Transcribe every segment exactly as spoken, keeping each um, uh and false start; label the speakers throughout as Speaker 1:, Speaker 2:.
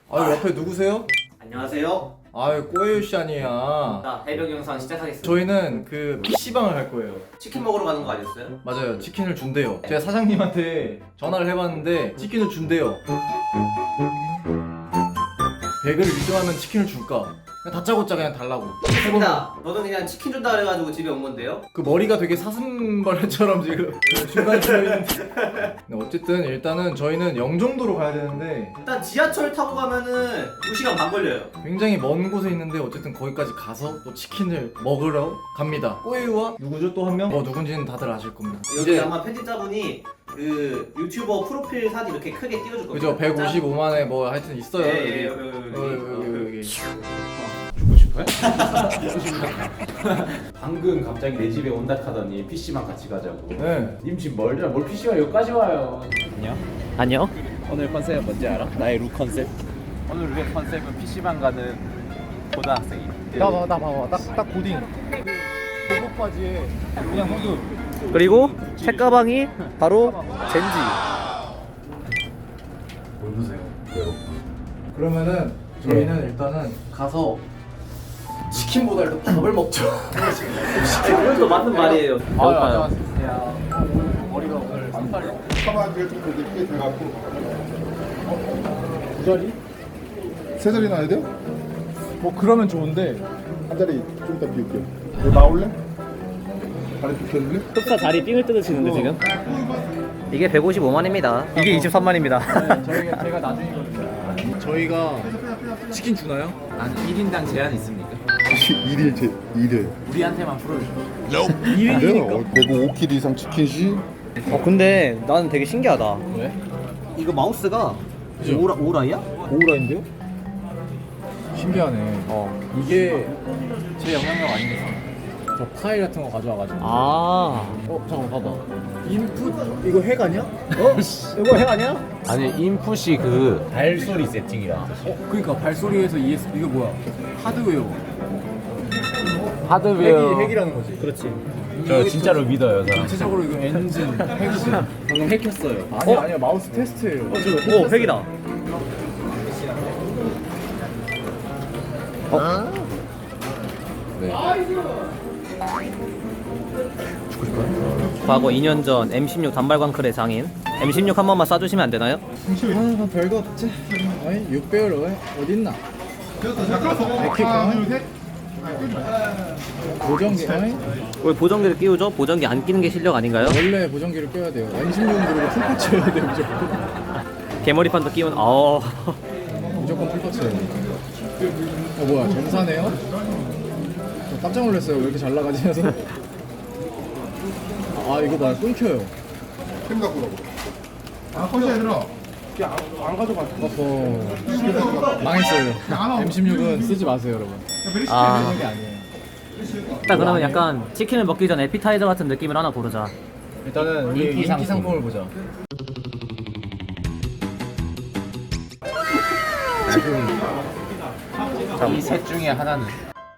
Speaker 1: 아 옆에 누구세요?
Speaker 2: 안녕하세요.
Speaker 1: 아유 꼬에유씨 아니야.
Speaker 2: 자, 해병 영상 시작하겠습니다.
Speaker 1: 저희는 그 피시방을 갈 거예요.
Speaker 2: 치킨 먹으러 가는 거 아니었어요?
Speaker 1: 맞아요, 치킨을 준대요. 제가 사장님한테 전화를 해봤는데 치킨을 준대요. 백을 일 등 하면 치킨을 줄까? 그냥 다짜고짜 그냥 달라고.
Speaker 2: 알겠습니다. 너는 그냥 치킨 준다 그래가지고 집에 온 건데요?
Speaker 1: 그 머리가 되게 사슴벌레처럼 지금 중간에 들어있는데. 근데 어쨌든 일단은 저희는 영종도로 가야 되는데
Speaker 2: 일단 지하철 타고 가면은 두 시간 반 걸려요.
Speaker 1: 굉장히 먼 곳에 있는데 어쨌든 거기까지 가서 또 치킨을 먹으러 갑니다. 꼬에유와 누구죠? 또 한 명? 어 누군지는 다들 아실 겁니다.
Speaker 2: 여기 아마 편집자분이 그 유튜버 프로필 사진 이렇게 크게 띄워줄 겁니다.
Speaker 1: 그죠? 백오십오만에 뭐 하여튼 있어요.
Speaker 2: 예, 예,
Speaker 1: 여기.
Speaker 2: 여기, 여기,
Speaker 1: 어,
Speaker 2: 여기,
Speaker 1: 여기, 여기, 여기.
Speaker 3: 죽고 싶어요? 방금 갑자기 내 집에 온다 하더니 피씨방 같이 가자고.
Speaker 1: 네.
Speaker 3: 님 집 멀잖아. 뭘 피씨방 여기까지 와요. 안녕.
Speaker 2: 안녕.
Speaker 3: 오늘 컨셉 뭔지 알아? 나의 룩 컨셉. 오늘 우리의 컨셉은 피씨방 가는 고등학생이.
Speaker 1: 나 봐봐, 나 봐봐. 딱, 딱 고딩. 그 보복 바지에 그냥 후드.
Speaker 2: 그리고 책가방이 바로 젠지.
Speaker 1: 뭘 보세요? 그러면은 저희는 일단은 가서 치킨보다 일단 밥을 먹죠.
Speaker 2: 그것도 맞는 말이에요. 배고파요.
Speaker 1: 머리가 오늘 쌍팔려.
Speaker 4: 카바지가 좀 되게 크게 돼갖고
Speaker 1: 두 자리?
Speaker 4: 세 자리 나야 돼요?
Speaker 1: 뭐 그러면 좋은데
Speaker 4: 한 자리 좀 이따 비울게요. 너 나올래? 다리 비켜줄래?
Speaker 2: 흡사 자리 삥을 뜯으시는데 지금? 이게 백오십오만입니다. 이게 이십삼만입니다.
Speaker 1: 네, 저희가 제가 나중이거든요. 저희가 치킨 주나요?
Speaker 3: 한 일 인당 제한 있습니까?
Speaker 4: 일일 제 일일.
Speaker 3: 우리한테만 풀어줘.
Speaker 4: 안 돼요. 어, 내고 오 킬 이상 치킨시.
Speaker 2: 어 근데 나는 되게 신기하다.
Speaker 1: 왜?
Speaker 2: 이거 마우스가
Speaker 1: 그죠?
Speaker 2: 오라 오라이야?
Speaker 1: 오우라인데요? 신기하네. 어 이게 제 영향력 아니겠어? 저 파일 같은 거 가져와가지고.
Speaker 2: 아.
Speaker 1: 어 잠깐 봐봐. 인풋 이거 핵 아니야? 어? 이거 핵 아니야?
Speaker 3: 아니 인풋이 그 발소리 세팅이라.
Speaker 1: 어 그러니까 발소리에서 이에스피 이거 뭐야? 하드웨어.
Speaker 3: 하드웨어.
Speaker 1: 핵이 핵이라는 거지.
Speaker 2: 그렇지.
Speaker 3: 저 진짜로 믿어요, 사람.
Speaker 1: 전체적으로 이거 엔진 핵이지.
Speaker 2: 방금 핵했어요.
Speaker 1: 아니 아니야 마우스 테스트예요.
Speaker 2: 오 핵이다.
Speaker 1: 네.
Speaker 2: 과거 이 년 전 엠 십육 단발광클의 장인 엠 십육 한 번만 쏴주시면 안 되나요?
Speaker 1: 아 별거 없지. 어이 육 배율 어이 어딨나? 에킥 보정기 어이
Speaker 2: 왜 보정기를 끼우죠? 보정기 안 끼는 게 실력 아닌가요?
Speaker 1: 원래 보정기를 껴야 돼요. 엠 십육은 그리고 풀파츠여야 돼요 무조건.
Speaker 2: 개머리판도 끼운. 어.
Speaker 1: 무조건 풀파츠예요. 어 뭐야 정사네요? 저 깜짝 놀랐어요. 왜 이렇게 잘 나가지면서. 아 이거 봐요 끊겨요.
Speaker 4: 캠 갖고 오라고. 아 커지 얘들아.
Speaker 1: 안 가져갔어. 어허. 망했어요. 엠 십육은 쓰지 마세요 여러분.
Speaker 2: 아.
Speaker 1: 쓰는 게 아니에요.
Speaker 2: 일단 그러면 약간 치킨을 먹기 전 에피타이저 같은 느낌을 하나 고르자.
Speaker 1: 일단은 우리 인기, 인기 상품을 보자.
Speaker 3: 이 셋 중에 하나는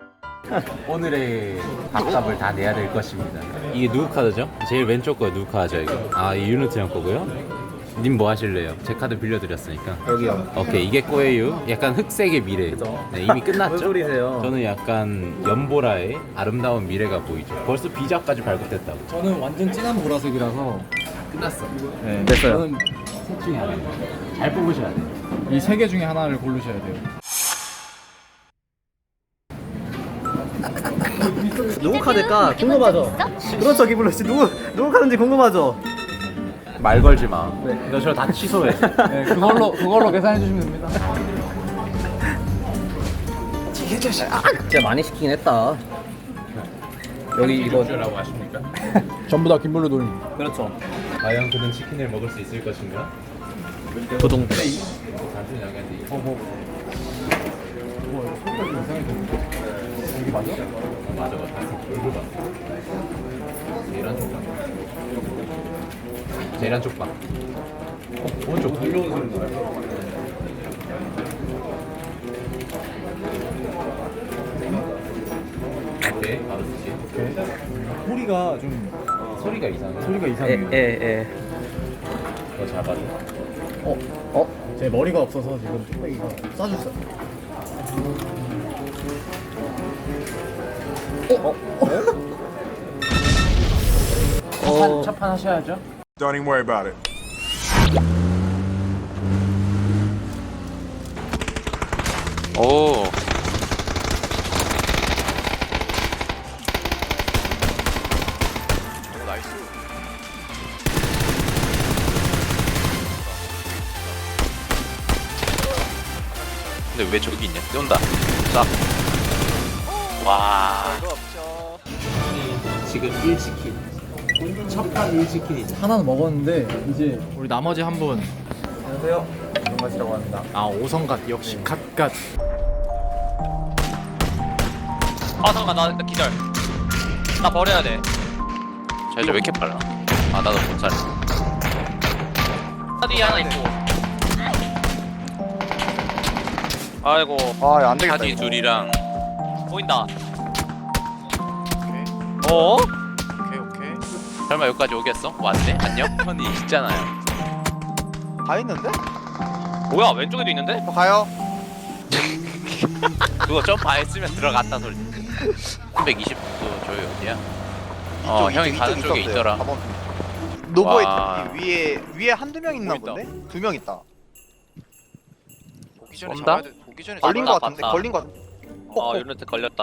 Speaker 3: 오늘의 밥값을 다 내야 될 것입니다. 이게 누구 카드죠? 제일 왼쪽 거 누구 카드죠 이거? 아, 이 유니트 형 거고요. 님 뭐 하실래요? 제 카드 빌려드렸으니까.
Speaker 2: 여기요.
Speaker 3: 오케이, 이게 꼬예요. 약간 흑색의 미래. 네, 이미 끝났죠?
Speaker 2: 뭔 소리세요?
Speaker 3: 저는 약간 연보라의 아름다운 미래가 보이죠. 벌써 비자까지 발급됐다고.
Speaker 1: 저는 완전 진한 보라색이라서
Speaker 3: 끝났어.
Speaker 1: 네.
Speaker 2: 됐어요.
Speaker 1: 저는
Speaker 3: 셋 중에 하나. 잘 뽑으셔야 돼요.
Speaker 1: 이 세 개 중에 하나를 고르셔야 돼요.
Speaker 2: 누구 카드일까 궁금하죠? 그렇죠 기블러 씨 누구 누구 카드인지 궁금하죠?
Speaker 3: 말 걸지 마. 너 저 다 취소해.
Speaker 1: 네, 그걸로 그걸로 계산해 주시면 됩니다.
Speaker 2: 진짜 많이 시키긴 했다. 여기 이거
Speaker 3: 라고 하십니까?
Speaker 1: 전부 다 김블루 돌림.
Speaker 2: 그렇죠.
Speaker 3: 과연 그는 치킨을 먹을 수 있을 것인가?
Speaker 2: 도동.
Speaker 3: 단순히 양해한데.
Speaker 1: 어 뭐. 뭐 소리가 좀 이상해 보이는데. 여기 맞아?
Speaker 3: 어, 맞아, 맞아. 얼굴 봐. 계란 쪽방. 계란 쪽방. 어, 오른쪽 불려온 소리 나요. 오케이, 바로 주지.
Speaker 1: 소리가 좀
Speaker 3: 소리가 이상해.
Speaker 1: 소리가 이상해요.
Speaker 2: 에에에.
Speaker 3: 더 잡아줘.
Speaker 2: 어 어.
Speaker 1: 제 머리가 없어서 지금 뚝배기가 싸줬어요. 어? 어?
Speaker 3: 어... 첫판 하셔야죠.
Speaker 5: Don't even worry about it.
Speaker 3: 오.
Speaker 5: 나이스.
Speaker 3: 근데 왜 저기 있냐? 쏜다. 자. 와.
Speaker 5: 별거 없죠.
Speaker 3: 지금 일 치킨. 첫판 일 치킨이죠.
Speaker 1: 하나는 먹었는데 이제 우리 나머지 한 분. 안녕하세요. 정맛이라고 합니다. 아 오성갓 역시 갓갓.
Speaker 6: 아 잠깐만 나, 나 기절 나 버려야 돼
Speaker 3: 자 이제 왜 이렇게 빨라? 아 나도 못 살려.
Speaker 6: 하디 하나 있고 아이고
Speaker 2: 아, 안 되겠다.
Speaker 3: 하디 둘이랑
Speaker 6: 보인다 어?
Speaker 5: 오케이 오케이.
Speaker 3: 설마 여기까지 오겠어? 왔네? 안녕? 현이 있잖아요.
Speaker 2: 다 있는데?
Speaker 6: 뭐야 왼쪽에도 있는데?
Speaker 2: 저 가요.
Speaker 3: 그거 점프 안 했으면 들어갔다 소리. 삼백이십 도 저기 어디야? 어 형이 가는 쪽에 있더라.
Speaker 2: 노보에
Speaker 3: 와.
Speaker 2: 저기 위에 위에 한두 명 있나
Speaker 3: 보인다.
Speaker 2: 본데? 두 명 있다.
Speaker 5: 보기 전에
Speaker 3: 쏜다?
Speaker 5: 잡아야 돼. 보기 전에
Speaker 2: 걸린
Speaker 6: 맞다,
Speaker 2: 거 같은데?
Speaker 6: 맞다.
Speaker 2: 걸린 거 같.
Speaker 6: 어 유니트 걸렸다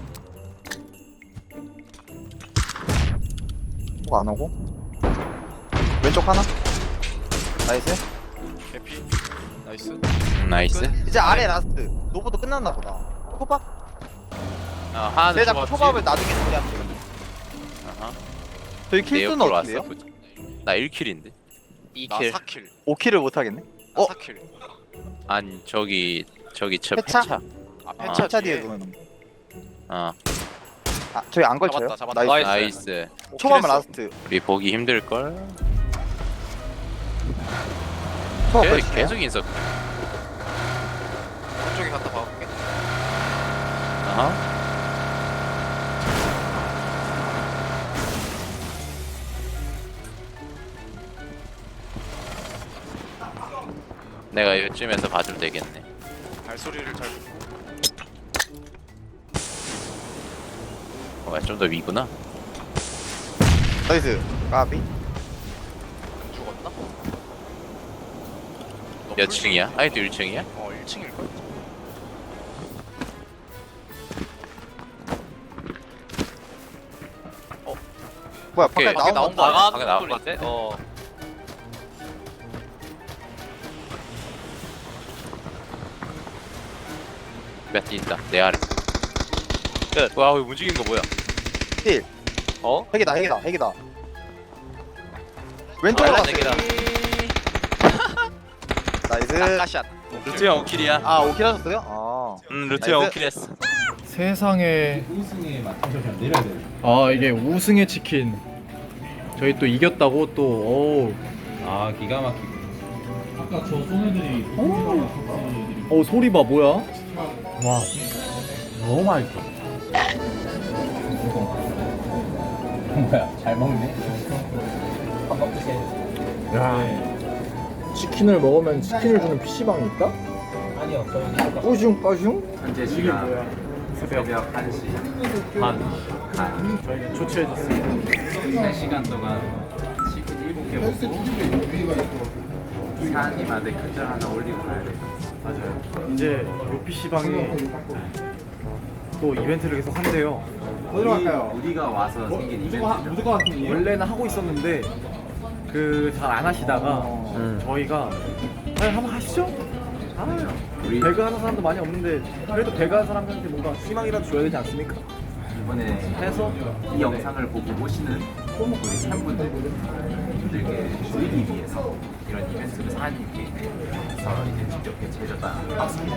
Speaker 2: 뭐안 오고? 왼쪽 하나? 나이스.
Speaker 5: 개피. 나이스.
Speaker 3: 음, 나이스.
Speaker 2: 이제 아래 라스트. 노보도 끝났나 보다. 초밥?
Speaker 3: 어 하나는
Speaker 2: 내 자꾸
Speaker 3: 죽었지.
Speaker 2: 초밥을 나중에 처리하면 돼.
Speaker 3: 아하.
Speaker 2: 저희
Speaker 3: 내
Speaker 2: 킬수는
Speaker 3: 옆으로
Speaker 2: 어떻게
Speaker 3: 왔어.
Speaker 2: 돼요?
Speaker 3: 나 일 킬인데.
Speaker 5: 나
Speaker 3: 이 킬.
Speaker 5: 사 킬.
Speaker 2: 오 킬을 못 하겠네.
Speaker 5: 나
Speaker 2: 어?
Speaker 5: 사 킬.
Speaker 3: 아니 저기 저기 저
Speaker 2: 폐차?
Speaker 3: 폐차.
Speaker 5: 아
Speaker 3: 아,
Speaker 5: 펜차
Speaker 2: 차
Speaker 5: 뒤에.
Speaker 2: 뒤에 그러면.
Speaker 3: 어
Speaker 2: 아, 저희 안 걸쳐요?
Speaker 5: 잡았다, 잡았다.
Speaker 2: 나이스.
Speaker 3: 나이스.
Speaker 5: 오 킬
Speaker 2: 초밥은
Speaker 5: 했어.
Speaker 2: 라스트.
Speaker 3: 우리 보기 힘들 걸.
Speaker 2: 초밥
Speaker 3: 계속
Speaker 2: 걸치네요.
Speaker 3: 계속 인석.
Speaker 5: 오른쪽에 갔다 봐볼게.
Speaker 3: 아하. 내가 이쯤에서 봐주면 되겠네.
Speaker 5: 발소리를 잘 듣고.
Speaker 3: 어, 좀 더 위구나.
Speaker 2: 나이스. 까비.
Speaker 5: 안 죽었나? 너
Speaker 3: 몇
Speaker 5: 풀-
Speaker 3: 층이야? 아이도 일 층이야?
Speaker 5: 어 일 층일 거야.
Speaker 2: 뭐야,
Speaker 3: 오케이.
Speaker 2: 밖에
Speaker 5: 밖에
Speaker 2: 나온
Speaker 5: 나온
Speaker 2: 거.
Speaker 5: 거 아니야?
Speaker 3: 밖에
Speaker 6: 나가는
Speaker 3: 나와.
Speaker 6: 소리인데? 어
Speaker 3: 몇 개 있다. 내 아래. 끝. 와, 이거 움직이는 거 뭐야?
Speaker 2: 힐.
Speaker 6: 어?
Speaker 2: 핵이다, 핵이다, 핵이다. 왼쪽으로
Speaker 6: 아,
Speaker 2: 갔어요.
Speaker 6: 핵이다.
Speaker 2: 나이스.
Speaker 5: 낙가샷.
Speaker 3: 루트 형 오 킬이야.
Speaker 2: 아, 오 킬 하셨어요? 아.
Speaker 3: 음, 루트
Speaker 2: 나이스.
Speaker 3: 형 오 킬 했어.
Speaker 1: 세상에.
Speaker 3: 우승에 맞춰서 내려야 돼.
Speaker 1: 아 이게 우승의 치킨. 저희 또 이겼다고 또. 오.
Speaker 3: 아, 기가 막히고. 아까 저 소매들이
Speaker 1: 어 소리 봐 뭐야? 와.
Speaker 3: 너무 맛있어. 뭐야? 잘 먹네.
Speaker 1: 야. 치킨을 먹으면 치킨을 주는 피시방이 있다?
Speaker 3: 아니요, 저희
Speaker 1: 까슝 까슝?
Speaker 3: 현재 시간 새벽 한 시 반. 반.
Speaker 1: 저희는 조치해줬습니다.
Speaker 3: 세 시간 동안 치킨 일곱 개 먹고 사장님한테 큰절 하나 올리고 가야 돼.
Speaker 1: 맞아요. 이제 요 피시방이 또 이벤트를 계속 한대요.
Speaker 3: 어디로 갈까요? 우리가 와서 생긴 이벤트죠.
Speaker 1: 원래는 하고 있었는데 그 잘 안 하시다가 저희가 아 한번 하시죠? 아,
Speaker 3: 우리
Speaker 1: 배그 하는 사람도 많이 없는데 그래도 배그 하는 사람들한테 뭔가 희망이라도 줘야 되지 않습니까?
Speaker 3: 이번에
Speaker 1: 해서
Speaker 3: 이 영상을 보고 오시는 우리 팬분들께 드리기 위해서 이런 이벤트를 사장님께 해서 이제 직접 제작한 박스입니다.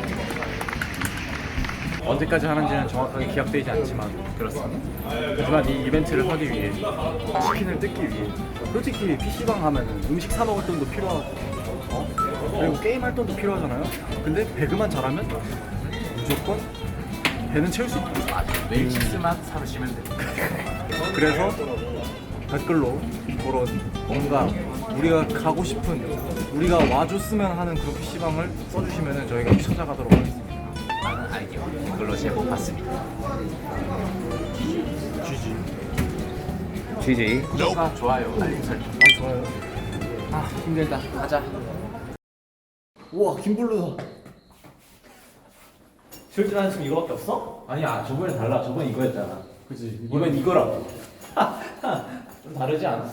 Speaker 1: 언제까지 하는지는 정확하게 기약되지 않지만
Speaker 3: 그렇습니다.
Speaker 1: 하지만 이 이벤트를 하기 위해 치킨을 뜯기 위해 솔직히 피시방 하면은 음식 사 먹을 돈도 필요하고 어? 그리고 게임 할 돈도 필요하잖아요. 근데 배그만 잘하면 무조건 배는 채울 수 있다.
Speaker 3: 맞아. 매일 칩스만 사주시면 돼요.
Speaker 1: 그래서 댓글로 그런 뭔가 우리가 가고 싶은, 우리가 와줬으면 하는 그런 피시방을 써주시면 저희가 찾아가도록 하겠습니다.
Speaker 3: 많은 아이디어 댓글로 제보 받습니다.
Speaker 1: 지지.
Speaker 2: 지지.
Speaker 3: 구독과 좋아요, 알림 설정.
Speaker 1: 아, 좋아요.
Speaker 3: 아 힘들다. 가자.
Speaker 2: 우와 김블루다. 실제 한 지금 이거밖에 없어?
Speaker 7: 아니야 저번에 달라 저번에 이거였잖아
Speaker 1: 그치.
Speaker 7: 이번 이거라고
Speaker 2: 좀 다르지 않았어?